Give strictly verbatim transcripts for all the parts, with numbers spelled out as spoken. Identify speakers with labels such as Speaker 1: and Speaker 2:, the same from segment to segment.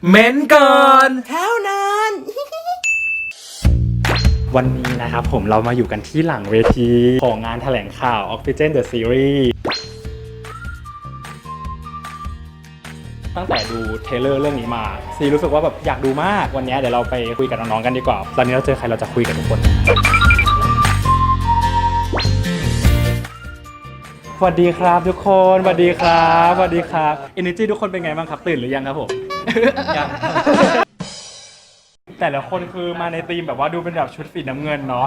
Speaker 1: เม้นก่อน
Speaker 2: เท่านั้น
Speaker 1: วันนี้นะครับผมเรามาอยู่กันที่หลังเวทีของงานแถลงข่าว Oxygen The Series ตั้งแต่ดูเทรลเลอร์เรื่องนี้มาซีรู้สึกว่าแบบอยากดูมากวันนี้เดี๋ยวเราไปคุยกับน้องๆกันดีกว่าตอนนี้เราเจอใครเราจะคุยกับทุกคนสวัสดีครับทุกคนสวัสดีครับสวัสดีครับ Energy ทุกคนเป็นไงบ้างครับตื่นหรือยังครับผม ยัง แต่ละคนคือมาในธีมแบบว่าดูเป็นแบบชุดสีน้ำเงินเนาะ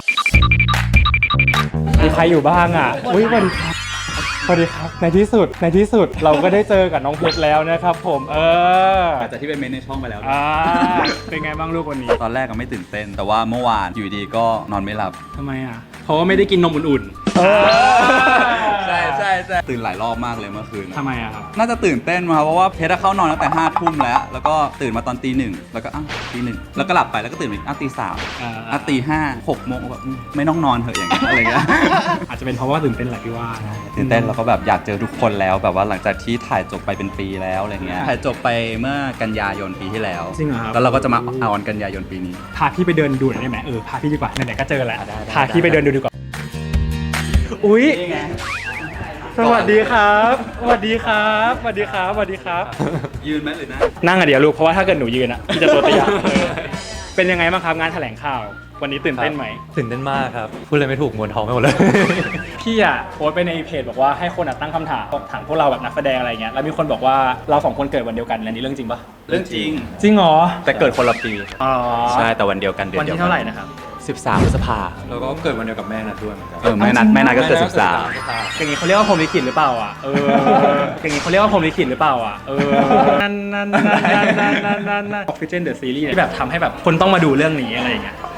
Speaker 1: มีใครอยู่บ้างอ่ะอุ้ยสวัสดีครับสวัสดีครับในที่สุดในที่สุดเราก็ได้เจอกับน้องเพชรแล้วนะครับผมเออ
Speaker 3: อาจจะที่เป็นเมนในช่องไปแล้ว
Speaker 1: อ่าเป็นไงบ้างลูกวันนี้
Speaker 3: ตอนแรกก็ไม่ตื่นเต้นแต่ว่าเมื่อวานอยู่ดีก็นอนไม่หลับ
Speaker 1: ทำไมอ่ะเพราะว่าไม่ได้กินนมอุ่นๆ
Speaker 3: ใช่ใช่ใช่ตื่นหลายรอบมากเลยเมื่อคืน
Speaker 1: ทำไมอ่ะครับ
Speaker 3: น่าจะตื่นเต้นมาเพราะว่าเพชรเข้านอนตั้งแต่ห้าทุ่มแล้วแล้วก็ตื่นมาตอนตีหนึ่งแล้วก็อ้าวตีหนึ่งแล้วก็หลับไปแล้วก็ตื่นอีกอ้าวตีสามอ้าวตีห้าหกโมงแบบไม่ต้องนอนเถอะอย่างเงี้ยอะไรเงี้ย
Speaker 1: อาจจะเป็นเพราะว่าตื่นเต้นแหละพี่ว่า
Speaker 3: ตื่นเต้นแล้วก็แบบอยากเจอทุกคนแล้วแบบว่าหลังจากที่ถ่ายจบไปเป็นปีแล้วอะไรเงี้ยถ่ายจบไปเมื่อกันยายนปีที่แล้ว
Speaker 1: จริงเหรอครับ
Speaker 3: แล้วเราก็จะมาออนกันยายนปีนี้
Speaker 1: พาพี่ไปเดินดูหน่อยได้ไหมเออพาพี่ดีกว่าไหนๆก็เจอแล้วพาพี่ไปเดินดูดีกว่าอุ๊ยสวัสดีครับสวัสดีครับสวัสดีครับสวัสดีครับ
Speaker 3: ยืนไหมหรือนั่ง
Speaker 1: นั่งอะเดี๋ยวลูกเพราะว่าถ้าเกิดหนูยืนอะพี่จะตัวเตี้ยเป็นยังไงบ้างครับงานแถลงข่าววันนี้ตื่นเต้นไหม
Speaker 4: ตื่นเต้นมากครับพูดเลยไม่ถูกมวนท้องไปหมดเลย
Speaker 1: พี่อะโพสไปในเพจบอกว่าให้คนตั้งคำถามถามพวกเราแบบนักแสดงอะไรเงี้ยแล้วมีคนบอกว่าเราสองคนเกิดวันเดียวกันอันนี้เรื่องจริงปะ
Speaker 3: เรื่องจริง
Speaker 1: จริงเหรอ
Speaker 4: แต่เกิดคนละปี
Speaker 1: อ๋อ
Speaker 4: ใช่แต่วันเดียวกันเดือน
Speaker 1: วัน
Speaker 4: เดียว
Speaker 1: ที่เท่าไหร่นะครับ
Speaker 4: สิบสามพฤษภาแล้วก็เกิดวันเดียวกับแม่นัดด้วยเหมือนกัน
Speaker 3: เออแม่นัดแม่นัดก็เกิดสิบสาม
Speaker 1: อย่างนี้เขาเรียกว่าพรหมลิขิตหรือเปล่าอ่ะเอออย่างนี้เขาเรียกว่าพรหมลิขิตหรือเปล่าอ่ะเออนั่นนั่นนั่นนั่นนั่นนั่นนั่นนั่น Oxygen The Series ที่แบบทำให้แบบคนต้องมาดูเรื่องนี้อะไรอย่างเงี้ย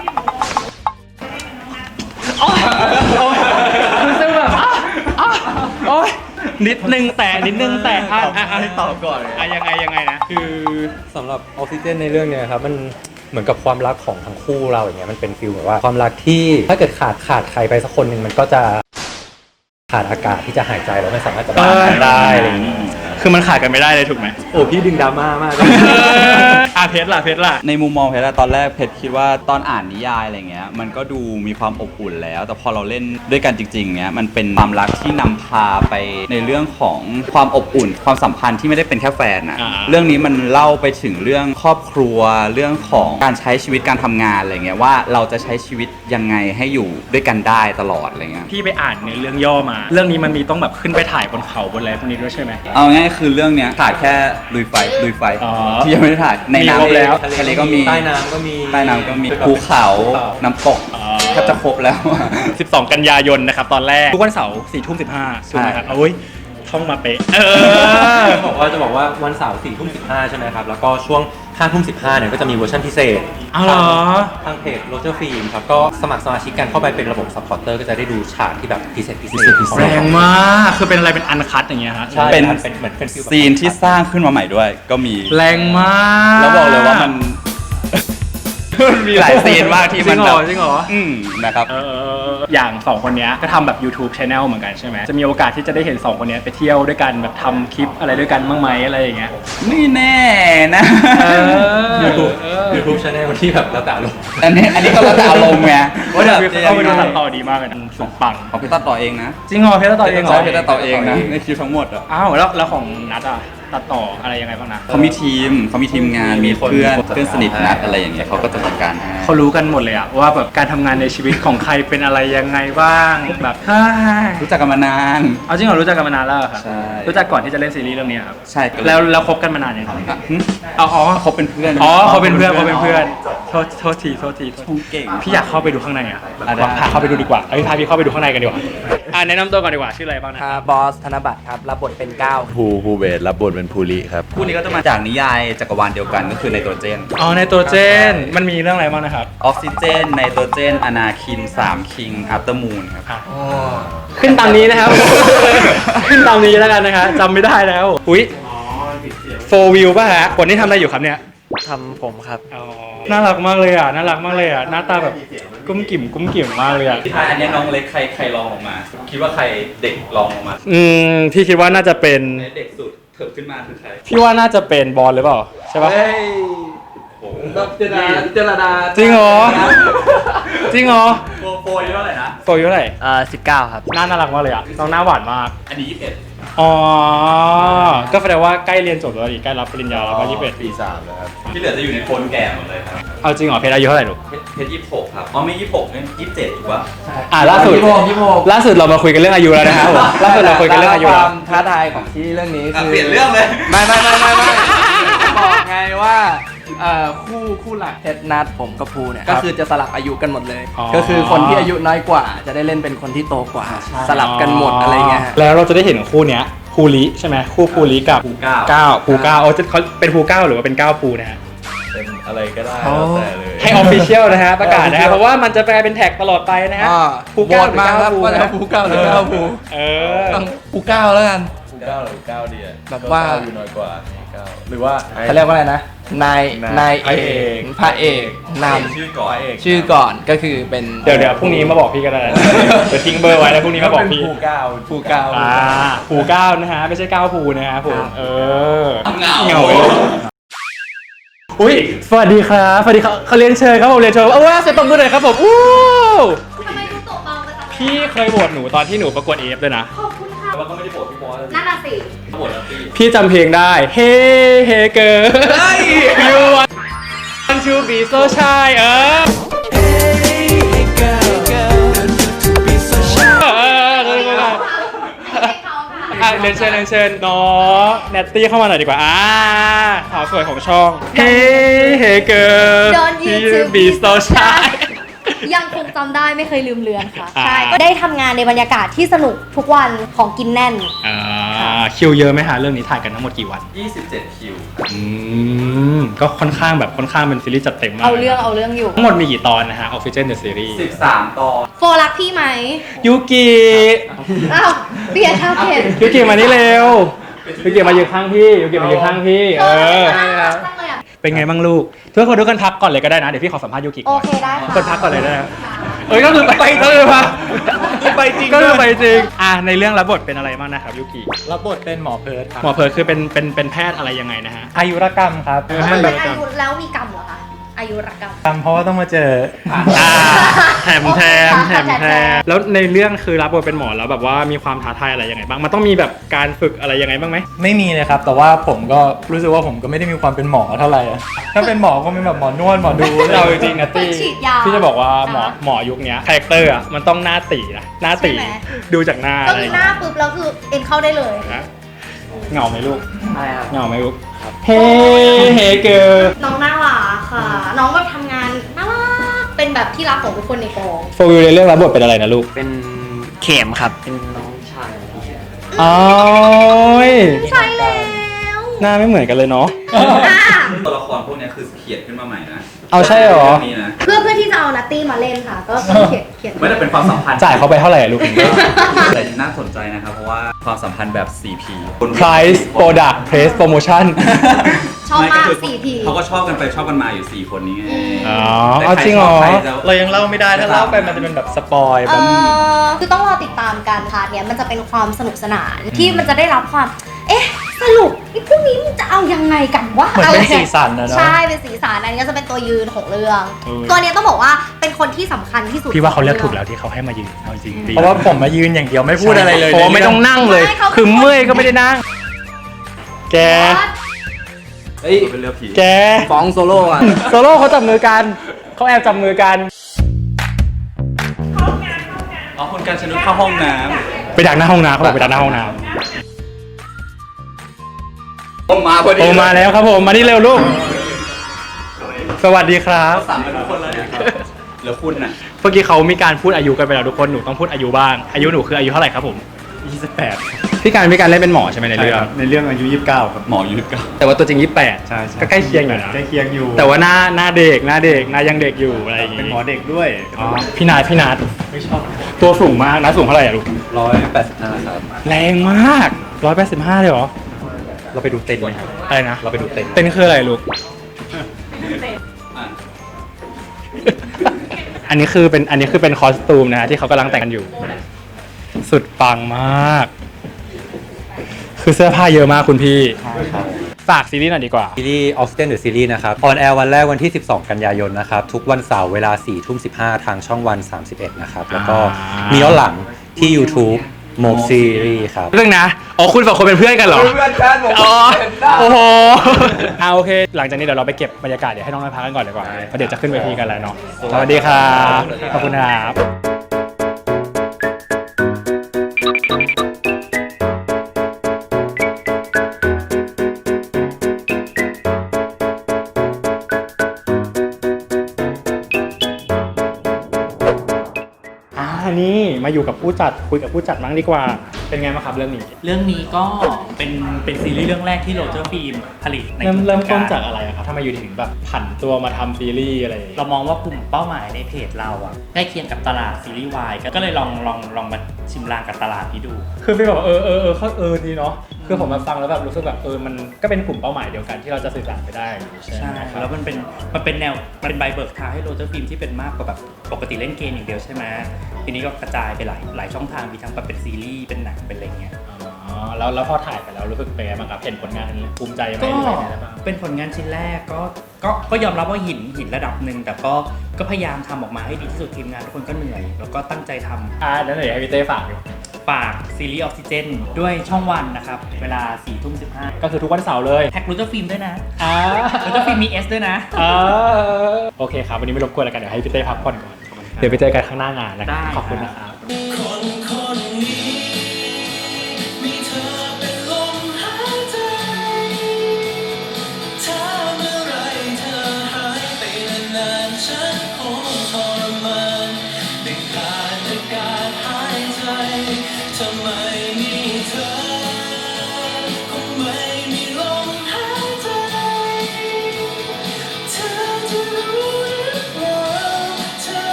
Speaker 1: รู้สึกแบบโอ๊ยนิดนึงแต่นิดนึงแต่อ่ะอ่ะ
Speaker 3: ให้ตอบก่อน
Speaker 1: อ่ะยังไงยังไงนะคือ
Speaker 4: สำหรับออกซิเจนในเรื่องเนี้ยครับมันเหมือนกับความรักของทั้งคู่เราอย่างเงี้ยมันเป็นฟีลแบบว่าความรักที่ถ้าเกิดขาดขาดใครไปสักคนหนึ่งมันก็จะขาดอากาศที่จะหายใจแล้วไม่สามารถจะบ้ากันได้อะไรอย่างเงี้ย
Speaker 1: คือมันขาดกันไม่ได้เลยถูกไหม
Speaker 4: โอ้พี่ดึงดราม่ามาก
Speaker 1: อ่ะเพชรล่ะเพชรล่ะ
Speaker 3: ในมุมมองเพชรตอนแรกเพชรคิดว่าตอนอ่านนิยายอะไรเงี้ยมันก็ดูมีความอบอุ่นแล้วแต่พอเราเล่นด้วยกันจริงๆเนี้ยมันเป็นความรักที่นำพาไปในเรื่องของความอบอุ่นความสัมพันธ์ที่ไม่ได้เป็นแค่แฟนนะเรื่องนี้มันเล่าไปถึงเรื่องครอบครัวเรื่องของการใช้ชีวิตการทำงานอะไรเงี้ยว่าเราจะใช้ชีวิตยังไงให้อยู่ด้วยกันได้ตลอดอะไรเงี้ย
Speaker 1: พี่ไปอ่านในเรื่องย่อมาเรื่องนี้มันมีต้องแบบขึ้นไปถ่ายบนเขาบนอะไรพวกนี้ด้วยใช่ไหม
Speaker 3: เอาง่ายคือเรื่องเนี้ยถ่ายแค่ลุยไฟลุยไฟที่ยังไม่ได้ถ่ายในน้ำ
Speaker 1: แล้ว
Speaker 3: ทะเลก็มี
Speaker 4: ใต้น้ำก็มี
Speaker 3: ใต้น้ำก็มีภูเขาน้ำตกแทบจะครบแล้ว
Speaker 1: สิบสองกันยายนนะครับตอนแรกทุกวันเสาร์สี่ทุ่มสิบห้าถูกไหมครับโอ้ยท่องมาเป๊ะเออ
Speaker 4: บอกว่าจะบอกว่าวันเสาร์สี่ทุ่มสิบห้าใช่ไหมครับแล้วก็ช่วงห้าทุ่มสิบห้าเนี่ยก็จะมีเวอร์ชันพิเศษ
Speaker 1: อ้าวเหรอ
Speaker 4: ทางเพจโรเจอร์ฟิล์มครับก็สมัครสมาชิกกันเข้าไปเป็นระบบซัพพอร์เตอร์ก็จะได้ดูฉากที่แบบพิเศษพิเศษ
Speaker 1: แรงมากคือเป็นอะไรเป็นอันคัทอย่างเงี้ยฮะ
Speaker 4: ใช่เป็นเป็นเหมือนเป็น
Speaker 3: ซีนที่สร้างขึ้นมาใหม่ด้วยก็มี
Speaker 1: แรงมาก
Speaker 3: แล้วบอกเลยว่ามันมีหลายซีนมากที่มันแบบ
Speaker 1: จริงเหรอ
Speaker 3: อืมนะครับ
Speaker 1: อย่างสองคนนี้ก็ทำแบบ YouTube Channel เหมือนกันใช่ไหมจะมีโอกาสที่จะได้เห็นสองคนนี้ไปเที่ยวด้วยกันแบบทำคลิปอะไรด้วยกันบ้างไหมอะไรอย่างเงี้ย
Speaker 3: ไม่แน่นะ
Speaker 4: YouTube YouTube Channel ที่แบบแล้วแต่อารมณ์
Speaker 3: อันนี้อันนี้ก็แล้วแต่อารมณ์ไง
Speaker 1: ว่าแบบเข้าไปดูตัดต่อดีมากเลยนะสุดปัง
Speaker 3: ของพี่ตัดต่อเองนะ
Speaker 1: จริงเหรอพี่ตัดต่อเองเหรอ
Speaker 3: พี่ตัดต่อเองนะในคลิปทั้งหมดอ่ะ
Speaker 1: อ้าวแล้วแล้วของนัทอ่ะตัดต่ออะไรยังไงบ้างนะ
Speaker 3: เขามีทีมเขามีทีมงานมีเพื่อนเพื่อนสนิทนัดอะไรอย่างเงี้ยเขาก็จะจัดการให้
Speaker 1: เขารู้กันหมดเลยอะว่าแบบการทำงานในชีวิตของใครเป็นอะไรยังไงบ้างแบบ
Speaker 3: รู้จักกันมานาน
Speaker 1: เอาจริงเหรอรู้จักกันมานานแล้วครับ
Speaker 3: ใช่
Speaker 1: รู้จักก่อนที่จะเล่นซีรีส์เรื่องนี้ครับ
Speaker 3: ใช่
Speaker 1: แล้วแล้วคบกันมานานยังครับอ๋อ
Speaker 3: เขาเป็นเพื่อน
Speaker 1: อ๋อเขาเป็นเพื่อนเขาเป็นเพื่อนโทษโทษทีโทษที
Speaker 3: ชงเก่ง
Speaker 1: พี่อยากเข้าไปดูข้างในอะพาเข้าไปดูดีกว่าเอ้ยพาพี่เข้าไปดูข้างในกันดีกว่าอ่าแนะนำตัวก่อนดีกว่าชื่ออะไรบ้างนะครับ
Speaker 2: บอสธนบัตรครับรับบทเป็นก้าว
Speaker 5: ภูภูเบศรับบทเป็นภูริครับ
Speaker 3: คู่นี้ก็จะมาจากนิยายจักรวาลเดียวกันก็คือไนโตรเจน
Speaker 1: อ๋อไนโตรเจนมันมีเรื่องอะไรบ้างนะครับ
Speaker 3: ออกซิเจนไนโตรเจนอนาคินสามคิงอัปเตอร์มูนครับ
Speaker 1: ขึ้นตามนี้นะครับขึ้นตามนี้แล้วกันนะคะจำไม่ได้แล้วอุ้ยโฟวิวป่ะฮะคนที่ทำอะไรอยู่ครับเนี่ย
Speaker 4: ทำผมครับ
Speaker 1: น่ารักมากเลยอ่ะน่ารักมากเลยอ่ะหน้าตาแบบกุ้มกิ่มกุ้มกิ่มมากเลยอ่ะ
Speaker 3: อันนี้น้องเล็กใครใครลองออกมาคิดว่าใครเด็กลองออกมา
Speaker 1: อืมพี่คิดว่าน่าจะเป็น
Speaker 3: เด็กสุดเถิบขึ้นมาคือใคร
Speaker 1: พี่ว่าน่าจะเป็นบอลหรือเปล่าใช่ปะ
Speaker 2: เจรดาเจรดา
Speaker 1: จริงเหรอ จริงเหรอ
Speaker 3: โปรโปรเท่าไหร่นะ
Speaker 1: โตอายุเท่าไหร่
Speaker 2: เอ่อสิบเก้าครับ
Speaker 1: หน้าน่ารักมากเลยอ่ะน้องหน้าหวานมาก
Speaker 3: อันนี้ยี่สิบเอ็ด
Speaker 1: อ๋อ ก็แสดงว่าใกล้เรียนจบแล้วดิใกล้รับปริญญาแล้วก็ยี่สิบเอ็ด
Speaker 5: ปีสามแล้วครับ
Speaker 3: ที่เหลือจะอยู่ในโคนแก่หมดเลยครับ
Speaker 1: เอาจริงเหรอเพชรอายุเท่าไหร่ลูก
Speaker 3: เพชรเพชรยี่สิบหกครับอ๋อไม่ยี่สิบหกเนี่ยยี่สิบเจ็ดถูกปะ
Speaker 1: อ่าล่าสุด
Speaker 2: ยี่สิบหกยี่สิบหก
Speaker 1: ล่าสุดเรามาคุยกันเรื่องอายุแล้วนะครับผมล่าสุดเราคุยกันเรื่องอายุ
Speaker 2: ค
Speaker 1: แล้ว
Speaker 2: วามท้าทายของที่เรื่องนี้
Speaker 3: อ่ะ
Speaker 2: คือ
Speaker 3: เปลี่ยนเรื่องเลย
Speaker 2: ไม่ไม่ไม่ไม่ไม่บอกไงว่าเอ่อคู่คู่หลักเพชรนัดผมกับภูเนี่ยก็คือจะสลับอายุกันหมดเลย ก็คือคนที่อายุน้อยกว่า จะได้เล่นเป็นคนที่โตกว่า สลับกันหมดอะไรเงี้ยฮะ
Speaker 1: แล้วเราจะได้เห็นคู่เนี้ยภูริใช่ไหมคู่ภูริกับ
Speaker 3: ภูเก้า
Speaker 1: เก้าภูเก้าเอาจะเขาเป็นภูเก้าหรือว่าเป็นเก้าภูนะฮะ
Speaker 5: เป็นอะไรก็ได้แล้วแต่เลย
Speaker 1: ให้ออฟฟิเชียลนะฮะประกาศนะฮะเพราะว่ามันจะกลายเป็นแท็กตลอดไปนะฮะ
Speaker 2: อ่า
Speaker 1: ภู
Speaker 2: โหว
Speaker 1: เก้า
Speaker 2: ต
Speaker 1: หรือ
Speaker 2: มา
Speaker 1: เก้า
Speaker 2: ครับ
Speaker 1: ภู
Speaker 2: ว่า
Speaker 1: นะ
Speaker 2: จะภูเก้าหรือเก้าภู
Speaker 1: เออ
Speaker 2: ต้องภูเก้าแล้วกัน
Speaker 5: ภูเก้าหรือเก้าดีอะ
Speaker 2: แบบว่า
Speaker 5: เก้อยู่น้อยกว่าเก้าหรือว่า
Speaker 2: เขาเรียกว่าอะไรนะนายนาย
Speaker 5: พระ
Speaker 2: เอ
Speaker 5: เอก
Speaker 2: กพระเอกน
Speaker 3: ชื่อก่อน
Speaker 2: ำชื่อก่อนก็คือเป็น
Speaker 1: เดี๋ยวเดี๋ยวพรุ่งนี้มาบอกพี่ก็ได้นะเดี๋ยวทิ้งเบอร์ไว้แล้วพรุ่งนี้มาบอกพี่
Speaker 5: ภูเก้า
Speaker 2: ภูเก้า
Speaker 1: อ่าภูเก้านะฮะไม่ใช่เก้าภูนะฮะผมเออ
Speaker 3: เหงา
Speaker 1: เหงาเลยอุ้ยสวัสดีครับสวัสดีครับเขาเรียนเชิญครับผมเรียนเชิญเอาว่าเสียงตบมือหน่อยครับผมอู้
Speaker 6: ทำไมดูตกเบาไปจังเลย
Speaker 1: พี่เคยโหวตหนูตอนที่หนูประกวดเอฟด้วยนะ
Speaker 6: ขอบคุณค่ะ
Speaker 3: แต่ว่าก็ไม่ได้โปรดพี่บอสเลย
Speaker 6: นั่นน่ะสิ
Speaker 3: โปรดแล้วพี่
Speaker 1: พี่จำเพลงได้ Hey Hey Girl You want to be so shy เออ
Speaker 6: ให้เขาค่ะ
Speaker 1: อ่ะเรียนเชิญเรียนเชิญน้องแนตตี้เข้ามาหน่อยดีกว่าอ่าสาวสวยของช่อง Hey Hey Girl
Speaker 6: Don't you
Speaker 1: You
Speaker 6: to
Speaker 1: be
Speaker 6: be
Speaker 1: so
Speaker 6: so
Speaker 1: shy
Speaker 6: shy ยังคงจำได้ไม่เคยลืมเลือนค่ะ
Speaker 1: อ่า
Speaker 6: ใช่ ก็ได้ทำงานในบรรยากาศที่สนุกทุกวันของกินแน่น
Speaker 1: อ่าคิวเยอะไหมฮะเรื่องนี้ถ่ายกันทั้งหมดกี่วัน
Speaker 3: ยี่สิบเจ็ดคิว
Speaker 1: อืมก็ค่อนข้างแบบค่อนข้างเป็นซีรีส์จัดเต็มมาก
Speaker 6: เอาเรื่องเอาเรื่องอยู่
Speaker 1: ทั้งหมดมีกี่ตอนนะฮะ Oxygen the Series
Speaker 3: สิบสามตอน
Speaker 6: โฟรักพี่ไหม
Speaker 1: ยูกิ
Speaker 6: อ้าวเบียร์ชาเผ็ด
Speaker 1: ยูกิมานี่เร็วยูกิมายืนข้างพี่ยูกิมายืนข้างพี่เออ
Speaker 6: น่ารักจังเลยอะ
Speaker 1: เป็นไงบ้างลูกเพื่อนคนทุกคนพักก่อนเลยก็ได้นะ เดี๋ยวพี่ขอสัมภาษณ์ยูกิ
Speaker 6: โอ
Speaker 1: ก่อน
Speaker 6: เคได้ค่ะ
Speaker 1: คนพักก่อนเลยได้นะเอ้ยก็คือไปก็คือมาไปจริงก็คือไปจริงอ่ะในเรื่องรับบทเป็นอะไรบ้างนะครับยูกิ
Speaker 4: รับบทเป็นหมอเพิร์ดครับ
Speaker 1: หมอเพิร์ลคือเป็นเป็นเป็นแพทย์อะไรยังไงนะฮะ
Speaker 4: อายุรกรรมครับ
Speaker 1: เออ
Speaker 6: มัน
Speaker 1: แบ
Speaker 6: เป็
Speaker 1: บ
Speaker 6: นอายุแล้วมีกรรมเหรอคะ อายุรกรรม
Speaker 4: กรรมเพราะว่าต้องมาเจอ
Speaker 1: อ่าแถมแถม
Speaker 6: โอเค
Speaker 1: แถ
Speaker 6: ค่ะ
Speaker 1: มแถมแล้วในเรื่องคือรับบทเป็นหมอแล้วแบบว่ามีความท้าทายอะไรยังไงบ้างมันต้องมีแบบการฝึกอะไรยังไงบ้างไหม
Speaker 4: ไม่มีเลยครับ แต่ว่าผมก็รู้สึกว่าผมก็ไม่ได้มีความเป็นหมอเท่าไหร่อะถ้าเป็นหมอก็เป็นแบบหมอนวดหมอดู
Speaker 1: เราจริงๆนะตี้
Speaker 6: ฉีดยา
Speaker 1: พี่จะบอกว่าหมอ
Speaker 6: อ่า
Speaker 1: หมอยุคเนี้ยคาแรคเตอร์อ่ะมันต้องหน้าตีนะหน้าตี
Speaker 6: ใช่ไหม
Speaker 1: ดูจากหน้า
Speaker 6: ก็
Speaker 1: อะไร
Speaker 6: คือหน้าปุ๊บแล้วคือเอ็นเข้าได้เลย
Speaker 1: นะเหงาไหมลูก
Speaker 2: อะไรครับ
Speaker 1: เหงาไหมลูกเฮ้เฮ้เกิร์ล
Speaker 6: น้องน่ารักค่ะ น้องแบบทำงานน่ารัก เป็นแบบที่รักของทุกคนในกอง
Speaker 1: โฟวิวในเรื่องรับบทเป็นอะไรนะลูก
Speaker 2: เป็นเข็มครับ เป็นน้องชาย
Speaker 1: อ๋อย
Speaker 6: ใช่แล้ว
Speaker 1: หน้าไม่เหมือนกันเลยเนาะ
Speaker 6: อ่ะ
Speaker 3: ตัวละครพวกเนี้ยคือเขียนขึ้นมาใหม่นะ
Speaker 1: เอาใช่เหรอ
Speaker 3: เรื่องนี้นะ
Speaker 6: เพื่อเพื่อที่จะเอานัตตี้มาเล่นค่ะ ก็ก็เขียนเขียน
Speaker 3: ไม่ได้เป็นความสัมพันธ์
Speaker 1: จ่ายเขาไปเท่าไหร่อะลูก
Speaker 3: แต่น่าสนใจนะครับ เพราะว่าความสัมพันธ์แบบ โฟร์ พี
Speaker 1: Price Product Place Promotion
Speaker 6: ชอบ
Speaker 3: ไม่
Speaker 6: มาก
Speaker 3: คือ
Speaker 6: สี่พี
Speaker 3: เขาก็ชอบกันไปชอบกันมาอยู่สี่คนนี้ไง
Speaker 1: อ๋อ
Speaker 3: แต่
Speaker 1: เอา
Speaker 3: ใค
Speaker 1: จริงเหรอ
Speaker 3: ชบใคจะ
Speaker 4: เรายังเล่าไม่ได้ถ้าเล่าไปมันจะเป็นแบบสปอย
Speaker 6: เอ
Speaker 4: แบบ
Speaker 6: อคือต้องรอติดตามกันค่ะเนี่ยมันจะเป็นความสนุกสนานที่มันจะได้รับความ เอ๊ะ สรุปไอ้พวกนี้มันจะเอายังไงกันวะ
Speaker 4: เหมือนเป็นสีสันนะเนาะ
Speaker 6: ใช่ เป็นสีสันอันนี้ก็จะเป็นตัวยืนของเรื่อง
Speaker 1: เออ
Speaker 6: ตัวเนี้ยต้องบอกว่าเป็นคนที่สำคัญที่สุด
Speaker 1: พี่ว่าเขาเลือกถูกแล้วที่เขาให้มายืนเอาจริงๆดี
Speaker 4: เพราะว่าผมมายืนอย่างเดียวไม่พูดอะไรเลย
Speaker 1: เพราะว่าไม่ต้องนั่งเลย คือเมื่อยก็ไม่ได้นั่ง แก
Speaker 2: เฮ้ย
Speaker 3: เป็นเรื่องผี
Speaker 1: แก
Speaker 2: ฟ้องโซโล่อะ
Speaker 1: โซโล่เขาจับมือกัน เขาแอบจับมือกัน
Speaker 3: อ๋อคุณการชนุดเข้าห้องน้
Speaker 1: ไปดักหน้าห้องน้ำเขาบอกไปดักหน้าห้องน้
Speaker 3: ำผมมาพอ
Speaker 1: ำ
Speaker 3: ดี
Speaker 1: โอมาแล้วครับผม มานี่เร็วลูก สวัสดีครับ
Speaker 3: สั่งกันทุกคนแล้วเนี่ยแล้วคุณน่ะ
Speaker 1: เมื่อกี้เขามีการพูดอายุกันไปแล้วทุกคน หนูต้องพูดอายุบ้าง อายุหนูคืออายุเท่าไหร่ครับผม
Speaker 5: ยี่สิบแปด
Speaker 1: พี่การพี่การเล่นเป็นหมอใช่ไหมในเรื่อง
Speaker 5: ในเรื่องอายุยี่สิบเก้าครับ
Speaker 3: หมอยุทธก็
Speaker 1: แต่ว่าตัวจริงยี่สิบแปด
Speaker 5: ใช่ใช่
Speaker 1: ก็ใกล้เคียงอยู่นะ
Speaker 5: ใกล้เคียงอยู่
Speaker 1: แต่ว่าหน้าหน้าเด็กหน้าเด็กหน้ายังเด็กอยู่อะไรอย่างงี้
Speaker 5: เป็นหมอเด็กด้วย
Speaker 1: อ๋อพี่นาดพี่นาด
Speaker 5: ไม่ชอบ
Speaker 1: ตัวสูงมากนะสูงเท่าไหร่อะลูก
Speaker 5: ร้อยแปดสิบห้าครับ
Speaker 1: แรงมากร้อยแปดสิบห้าเลยเหรอ
Speaker 4: เราไปดูเต็นท์ไหมครับ
Speaker 1: อะไรนะ
Speaker 4: เราไปดูเต็นท์
Speaker 1: เต้นคืออะไรลูก
Speaker 3: อ่ะ
Speaker 1: อันนี้คือเป็นอันนี้คือเป็นคอสตูมนะฮะที่เขากำลังแต่งกันอยู่ สุดปังมาก คืคือเสื้อผ้าเยอะมากคุณพี่
Speaker 4: ครับ
Speaker 1: ฝากซีรีส์หน่อยดีกว่า
Speaker 4: ซีรีส์ Oxygen The Series นะครับออนแอร์วันแรกวันที่ สิบสอง กันยายนนะครับ ทุกวันเสาร์เวลา สี่ทุ่มสิบห้า ทางช่องวัน สามสิบเอ็ด นะครับ แล้วก็
Speaker 1: อ่ามี
Speaker 4: มีย้อนหลังที่ YouTube โมกซีรีส์ครับ
Speaker 1: เรื่องนะอ๋อคุณสองคนเป็นเพื่อนกันเหรอ
Speaker 2: เพื่อนกันผม
Speaker 1: อ๋อ
Speaker 2: เห็นได้
Speaker 1: โอ้โหเอาโอเค หลังจากนี้เดี๋ยวเราไปเก็บบรรยากาศเดี๋ยวให้น้องนายพักกันก่อนดีกว่าเพราะเดี๋ยวจะขึ้นเวทีกันแล้วเนาะสวัสดีครับขอบคุณครับอ่านี่มาอยู่กับผู้จัดคุยกับผู้จัดมั้งดีกว่าเป็นไงบ้างครับเรื่องนี้
Speaker 7: เรื่องนี้ก็เป็นเป็นซีรีส์เรื่องแรกที่โรเจอร์ฟิล์มผลิตใน
Speaker 1: เริ่มเริ่มต้น
Speaker 7: วง
Speaker 1: จากอะไรอะครับทำไมอยู่ถึงแบบผันตัวมาทำซีรีส์อะไรอย่างเงี้ย
Speaker 7: เรามองว่ากลุ่มเป้าหมายในเพจเราอะใกล้เคียงกับตลาดซีรีส์วายก็เลยลองลองลองมาชิมลางกับตลาดนี้ดู
Speaker 1: คือพี่บอกว่าเออเออเออเขาเออดีเนาะคือผมมาฟังแล้วแบบรู้สึกแบบเออมันก็เป็นกลุ่มเป้าหมายเดียวกันที่เราจะสื่อสารไปได้ใช่
Speaker 7: ใช่
Speaker 1: ไหมครับ
Speaker 7: แล้วมันเป็นมันเป็นแนวมันเป็นใบเบิกทางให้โรเจอร์ฟิล์มที่เป็นมากกว่าแบบปกติเล่นเกมอย่างเดียวใช่ไหมทีนี้ก็กระจายไปหลายหลายช่องทางมีทั้งแบบเป็นซีรีส์เป็นหนังเป็นอะไรเงี้ย
Speaker 1: อ๋อแล้วแล้วพอถ่ายไปแล้วรู้สึกเป็นไงบ้างครับเห็นผลงานภูมิใจไหม
Speaker 7: ก็
Speaker 1: หรือเป็นไงบ้าง
Speaker 7: เป็นผลงานชิ้นแรกก็ก็ก็ยอมรับว่าหินหินระดับหนึ่งแต่ก็ก็พยายามทำออกมาให้ดีที่สุดทีมงานทุกคนก็เหนื่อย แล้วก็ตั้งใจทำ
Speaker 1: อ่าแล้วไหนให้พี่เต้ฝากอยู่
Speaker 7: ฝากซีรีส์ออกซิเจนด้วยช่องวันนะครับ เวลาสี่ทุ่มสิบห้า
Speaker 1: ก็คือทุกวันเสาร์เลย
Speaker 7: แท็กรูเจอร์ฟิล์มด้วยนะ
Speaker 1: อ่า
Speaker 7: รูเจอร์ฟิล์มมี S ด้วยนะ
Speaker 1: อ่าโอเคครับวันนี้ไม่รบกวนแล้วกันเดี๋ยวให้พี่เต้พักผ่อนก่อนเดี๋ยวไปเจอกันข้างหน้างานนะครับ
Speaker 7: ได้
Speaker 1: ขอบคุณนะครับ
Speaker 7: ครับ